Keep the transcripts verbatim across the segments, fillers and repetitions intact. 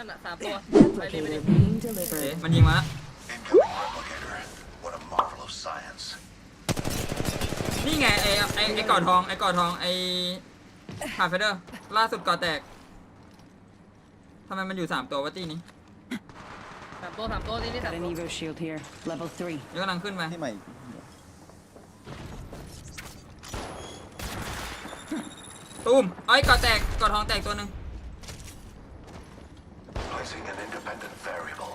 นอ่ะสามตัวไปเลยไปเลย Replicator being เอ๊ะ delivered. มันยิงมาแล้ว What a marvel of science. นี่ไงไอไอไอกอดทองไอกอดทองไอฮาร์เฟเดอร์ล่าสุดก่อแตกทำไมมันอยู่สามตัววะตีนี้สามตัวสามตัวนี่นี่สาม Got an ตัว Evo shield here. Level three. เดี๋ยวกำลังขึ้นไปที่ใหม่ตูมไอ้ยก่อแตกก่อทองแตกตัวหนึ่ง Placing an independent variable.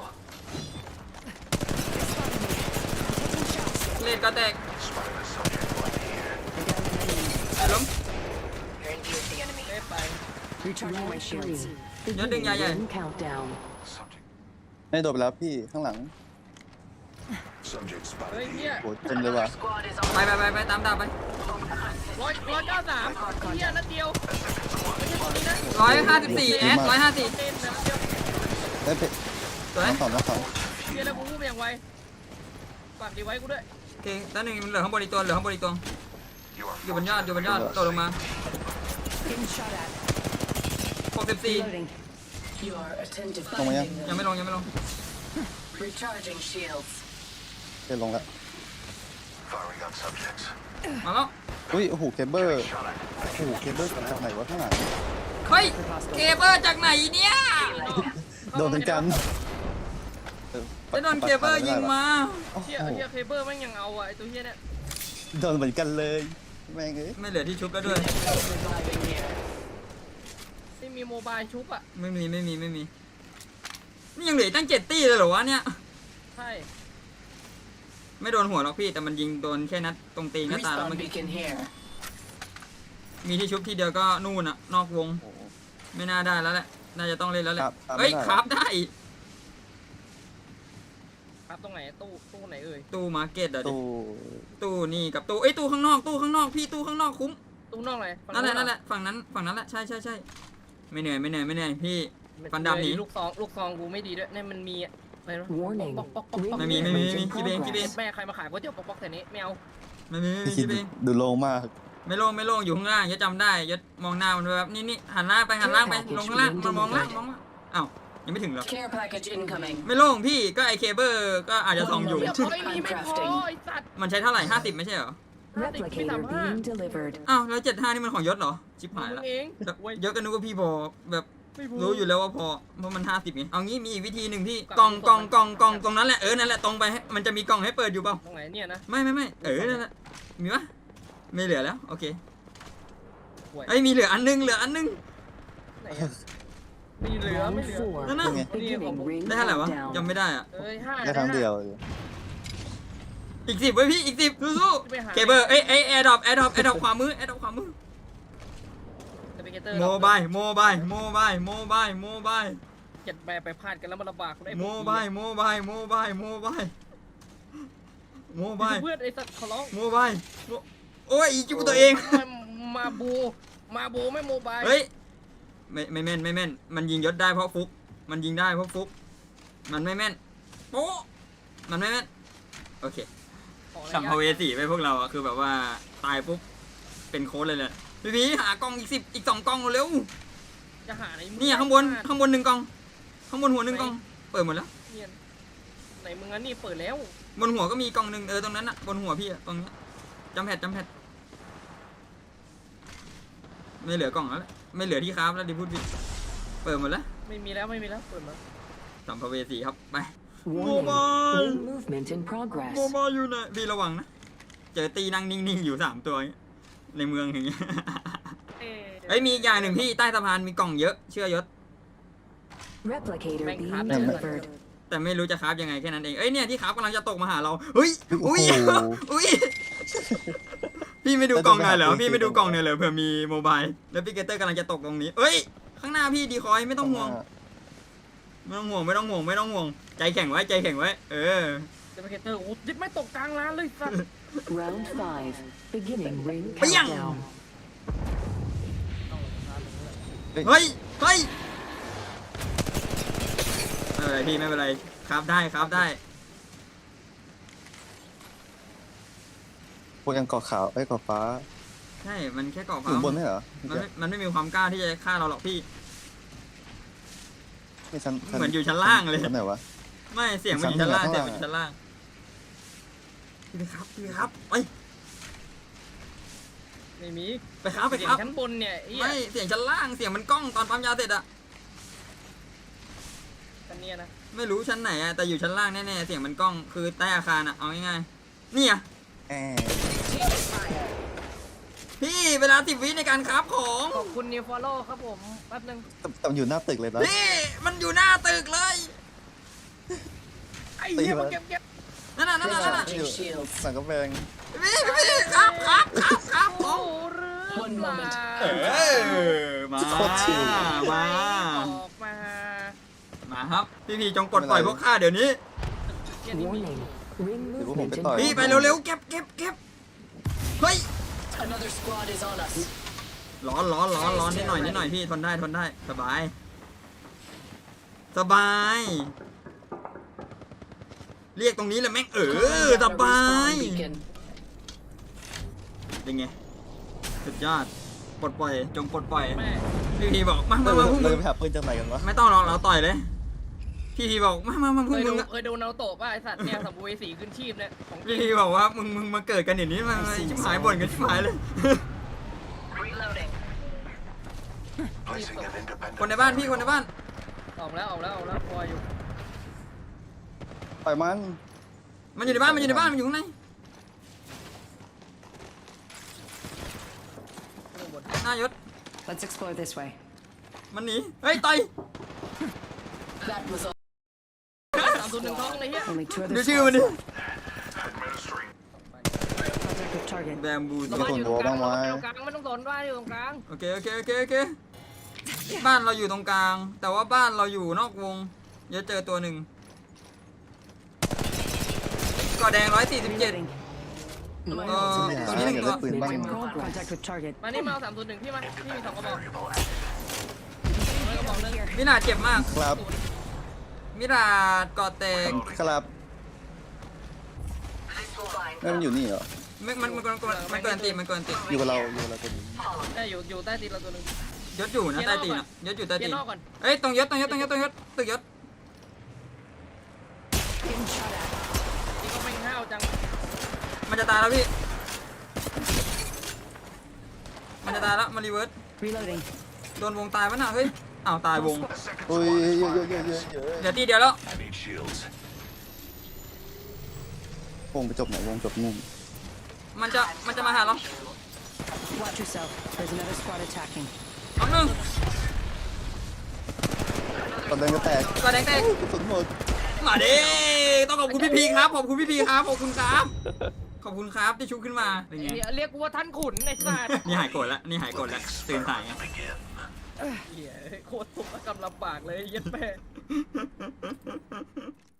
เลดก่อแตก Spotted a subject right here. ล้มเล่ไป Recharging my shields. Nhớ đừng nhảy vậy. Ring countdown. Subject. ไม่โดนไปแล้วพี่ข้างหลัง Subject เฮ้ย spotted เนี่ย here. โหเต็มเลยว่ะไปไปไปไปตามดาวไปร้อยร้อยเก้าสามเฮียนัดเดียวไม่ใช่ตัวนี้นะร้อยห้าสิบสี่แอดร้อยห้าสิบเต้นนะนัดเดียวได้เพสวยน้องสองน้องสองเฮียแล้วกูพูดไปอย่างไวฝากดีไว้กูด้วยโอเคแล้วหนึ่งมันเหลือข้างบนอีกตัวเหลือข้างบนอีกตัว You are อยู่บนยอดอยู่บนยอดตกลงมา Getting shot at. หกสิบสี่ Reloading. Your attentive ลงมายัง finding. ยังไม่ลงยังไม่ลง Recharging shields. เดี๋ยวลงละ firing on subjects. มาแล้วอุ้ยโอ้โหเคเบิล Shot at. โอ้โหเคเบิลจากไหนวะข้างหลังเฮ้ยเคเบิลจากไหนเนี่ยโดนทั้งกันออจะโดนเคเบิลยิงมาโอ้โหเฮียเฮียเคเบิลแม่งยังเอาอ่ะไอตัวเฮียเนี่ยโดนเหมือนกันเลยแม่งเอ้ยไม่เหลือที่ชุบแล้วด้วย Reviving here. ไม่มีโมบายชุบอ่ะไม่มีไม่มีไม่มีนี่ยังเหลืออีกตั้งเจ็ดตี้เลยเหรอวะเนี่ยใช่ไม่โดนหัวหรอกพี่แต่มันยิงโดนแค่นัดตรงตีนหน้าตาแล้ว Respawn เมื่อกี้ beacon here. มีที่ชุบทีเดียวก็นู่นอะนอกวงโอ้โหไม่น่าได้แล้วแหละน่าจะต้องเล่นแล้วแหละครับครับเฮ้ยไม่ได้ครับได้ครับตรงไหนตู้ตู้ไหนเอ่ยตู้มาร์เก็ตอะดิตู้ตู้นี่กับตู้เอ้ยตู้ข้างนอกตู้ข้างนอกพี่ตู้ข้างนอกคุ้มตู้นอกไหนฝั่งนั่นแหละเรอนั่นแหละฝั่งนั้นฝั่งนั้นแหละใช่ใช่ใช่ไม่เหนื่อยไม่เหนื่อยไม่เหนื่อยพี่ ฟันดำหนีลูกซองลูกซองกูไม่ดีด้วยเนี่ยมันมีอะไรนะ Warning. ป๊อกป๊อกป๊อกป๊อกไม่มีไม่มีไม่มี In คิดเองคิดเอง progress. แม่ใครมาขายก๋วยเตี๋ยวป๊อกป๊อกแต่นี้ไม่เอาไม่มีไม่มีพี่คิคิดดเองดูโล่งมากไม่โล่งไม่โล่งอยู่ข้างล่างยศจำได้ยศมองหน้ามันแบบนี่นี่หันล่างไปหันล่างไปลงข้างล่างมันมองล่างมองล่างอ้าวยังไม่ถึงหรอก Care package incoming. ไม่โล่งพี่ก็ไอเคเบิลก็อาจจะส่องอยู่เดี๋ยวเอาไอ้นี่ไม่พอไอ้สัตว์มันใช้เท่าไหร่ห้าสิบไม่ใช่เหรอ Replicator being delivered. อ้าวแล้วเจ็ดห้านี่มันของยศเหรอชิบหายมึละงเองแบบเว้ยยศก็นึกว่าพี่พอแบบไม่พอรู้อยู่แล้วว่าพอเพราะมันห้าสิบไงเอางี้มีอีกวิธีหนึ่งพี่กล่องกล่องกล่องกล่องตรงนั้นแหละเออนั่นแหละตรงไปให้มันจะมีกล่องให้เปิดอยู่เปล่าตรงไหนเนี่ยนะไม่ไม่ไม่เออนั่นแหละมีปะไม่เหลือแล้วโอเคห่วยไอ้ยมีเหลืออันนึงเหลืออันนึงไหนอะมีเหลือ Round ไม่เหลือ four. นั่นน่ะ Beginning ring ได้เท่าไหร่วะ countdown. จำไม่ได้อ่ะเอ้ยห้าแค่ครั้งเดียวเลยอีกสิบไว้ยพี่อีกสิบสู้ไปหาๆเคเบิลเอ้ยเอ้ยแอร์ดรอปแอร์ดรอปแอร์ดรอปขวามือแอร์ดรอปขวามือสเปกเตอร์โมบายโมบายโมบายโมบายโมบายเจ็ดแม่ไปพลาดกันแล้วมันลำบากกูได้โมบายโมบายโมบายโมบายโมบายเพื่อนไอ้สัตว์ขอร้องโมบายโมโอ้ยอีกจิ้มตัวเองมาบูมาบูไม่โมบายเฮ้ยไม่ไม่แม่นไม่แม่นมันยิงยศได้เพราะฟุกมันยิงได้เพราะฟุกมันไม่แม่นโป๊ะมันไม่แม่นโอเคขอระยะสัมภเวสีไปพวกเราอะคือแบบว่าตายปุ๊บเป็นโค้ดเลยเลยพี่พีหากล่องอีกสิบอีกสองกล่องเร็วจะหาไหนมึนี่ข้างบนข้างบนหนึ่งกล่องข้างบนหัวหนึ่งกล่องเปิดหมดแล้วเนี่ยไหนมึงอันนี่เปิดแล้วบนหัวก็มีกล่องหนึ่งเออตรงนั้นอะบนหัวพี่อะตรงเนี้ยจำแพดจำแพดไม่เหลือกล่องแล้วแหละไม่เหลือที่คราฟแล้วดิพูดผิดเปิดหมดแล้วไม่มีแล้วไม่มีแล้วเปิดมาสัมภเวสีครับไป Warning. Mobile. Ring movement in โม progress. บายอยู่ไหนพี่ระวังนะเจอตีนั่งนิ่งๆอยู่สามตัวอย่างเงี้ยในเมืองอย่างเงี้ยเอ้ยเฮ้ยมีอีกอย่างหนึ่งพี่ใต้สะพานมีกล่องเยอะเชื่อยศ Replicator Bang being khám này. delivered. แต่ไม่รู้จะคราฟยังไงแค่นั้นเองเอ้ยเนี่ยที่คราฟกำลังจะตกมาหาเราเฮ้ยอุ้ยโอ้โหอุ้ยพี่ไม่ดูกล่องหน่อยเหรอพี่ไม่ดูกล่องหน่อยเหรอเผื่อมีโมบายแล้วพี่เกเตอร์กำลังจะตกตรงนี้เอ้ยข้างหน้าพี่ดีคอยไม่ต้องห่วงไม่ต้องห่วงไม่ต้องห่วงไม่ต้องห่วงใจแข็งไว้ใจแข็งไว้เออสเปกเตอร์โอ้ยิบไม่ตกกลางร้านเลยสัตว์ Round five. Beginning ring Bang. countdown. เฮ้ยเฮ้ยไม่เป็นไรพี่ไม่เป็นไรคราฟได้คราฟได้พวกยังเกาะขาวไอ้ยเกาะฟ้าใช่มันแค่เกาะอฟ้ายู่บนไม่เหรอมันไม่มันไม่มีความกล้าที่จะฆ่าเราหรอกพี่ไม่ชั้นชั้เหมือนอยู่ชั้นล่างเลยชั้นไหนวะไม่เสียงมันอยู่ชั้นล่างชั้นเสียล่าง งมันอยู่ชั้นล่างพี่ไปครับพี่ไปครับไปไม่มีไปครับไปเสียครับงชั้นบนเนี่ยไอ้เหี้ยไม่เสียงชั้นล่างเสียงมันกล้องตอนปั๊มยาเสร็จอะชั้นเนี้ยนะไม่รู้ชั้นไหนอะแต่อยู่ชั้นล่างแน่ๆเสียงมันกล้องคือใต้อาคารอะเอาง่ายๆนี่อะแอพี่เวลาสิบวิในการคราฟของขอบคุณนิวฟอลโล่ครับผมแป๊บนึงแต่แต่มันอยู่หน้าตึกเลยนะพี่มันอยู่หน้าตึกเลยไอ้เหี้ยตีมามาเก็บเก็บนั่นน่ะนั่นน่ะนั่นน่ะอยู่สั่งกาแฟพี่พี่ครับครับครับครับขโอ้องหรือเปล่าเออมามาออกมามาครับพี่พี่จงกดปล่อยพวกข้าเดี๋ยวนี้เหี้ยนี่มี Warning. Ring เดี๋ยวพวกผม movement ไป in ต่อยพี่ไปเร็วๆเก็บเก็บเก็บเฮ้ย Another squad is on us. ร้อนร้อนร้อนร้อนนิดหน่อยนิดหน่อยพี่ทนได้ทนได้สบาย สบาย เรียกตรงนี้เลยแม่งเออสบาย Beacon. เป็นไงสุดยอดปลดปล่อยจงปลดปล่อยแม่พี่พีบอกมามาเรามาพวกมึเรางไปหาปืนจากไหนกันวะไม่ต้องหรอกเราต่อยเลยพี่พีบอกมามามาพเควกยมึดูงอะเคยดูนาโตะป่ะไอสัตว์เนี่ยสัมภเวสีขึ้นชีพเนี่ยของจริพี่งพีบอกว่ามึงมึงมาเกิดกันอย่างนี้มามาชิบหายบ่นกันชิบหายเลย Reloading. Placing an independent. คนในบ้านพี่คนในบ้านออกแล้วออกแล้วออกแล้วพออยู่ปล่อยมันมันอยู่ในบ้านมันอยู่ในบ้านมันอยู่ข้างในข้างบนหน้ายศ Let's explore this way. มันหนีเฮ้ยต่อย That was all. สามศูนย์หนึ่งท้องเลยเฮีย Only two ดู other ชื่อมัน squads ดิ left. Administering. Contact with target. แบมบูระวังอยู่ตรงกลางระวังอยู่ตรงกลางไม่ต้องสนว่าอยู่ตรงกลางโอเคโอเคโอเคโอเคบ้านเราอยู่ตรงกลาง แต่ว่าบ้านเราอยู่นอกวงเดี๋ยวเจอตัวหนึ่งก่อแดงร้อยสี่สิบเจ็ด Reloading. เออตัวนี้หนึ่งตัวปืนบ้าง Making progress. Contact with target. มานี่มาเอาสามศูนย์หนึ่งพี่มาพี่มีสองกระบอก Variable. ไม่กระบอกนึงมินาเจ็บมากครับมินาก่อแตกครับนั่นมันอยู่นี่เหรอมันมันมันมันมันเกินตีมันเกินตีอยู่กับเราอยู่กับเราตัวนี้ได้อยู่อยู่ใต้ตีนเราตัวหนึงยศอยู่นะใต้ตีนอะยศอยู่ใต้เกีตียนร์นอกก่อนเอ้ยตรงยศตรงยศตรงยศตรงยศตึกยศ Getting shot at. นี่ก็ไม่ห้าวจังมันจะตายแล้วพี่มันจะตายแล้วมันรีเวิร์ส Reloading. โดนวงตายปะน่ะเฮ้ยอ้าวตายวงโอ้ยเยอะเยอะเยอะเยอะเยอะเดี๋ยวตีเดียวแล้ว I need shields. วงไปจบไหนวงจบนู่นมันจะมันจะมาหาเรา Watch yourself. There's another squad attacking. เอาหนึ่งตอนเดินก็แตกก่อแดงแตกกระสุนหมดมาดิต้องขอบคุณพี่พีครับขอบคุณพี่พีครับขอบคุณครับขอบคุณครับที่ชุบขึ้นมาเป็นไงเนี่ยเรียกกูว่าท่านขุนไอ้สัตว์นี่หายโกรธแล้วนี่หายโกรธแล้วตื่นสายไง Begin. เหี้ยโคตรทุกข์และกำลำบากเลยเหี้ยัดแม่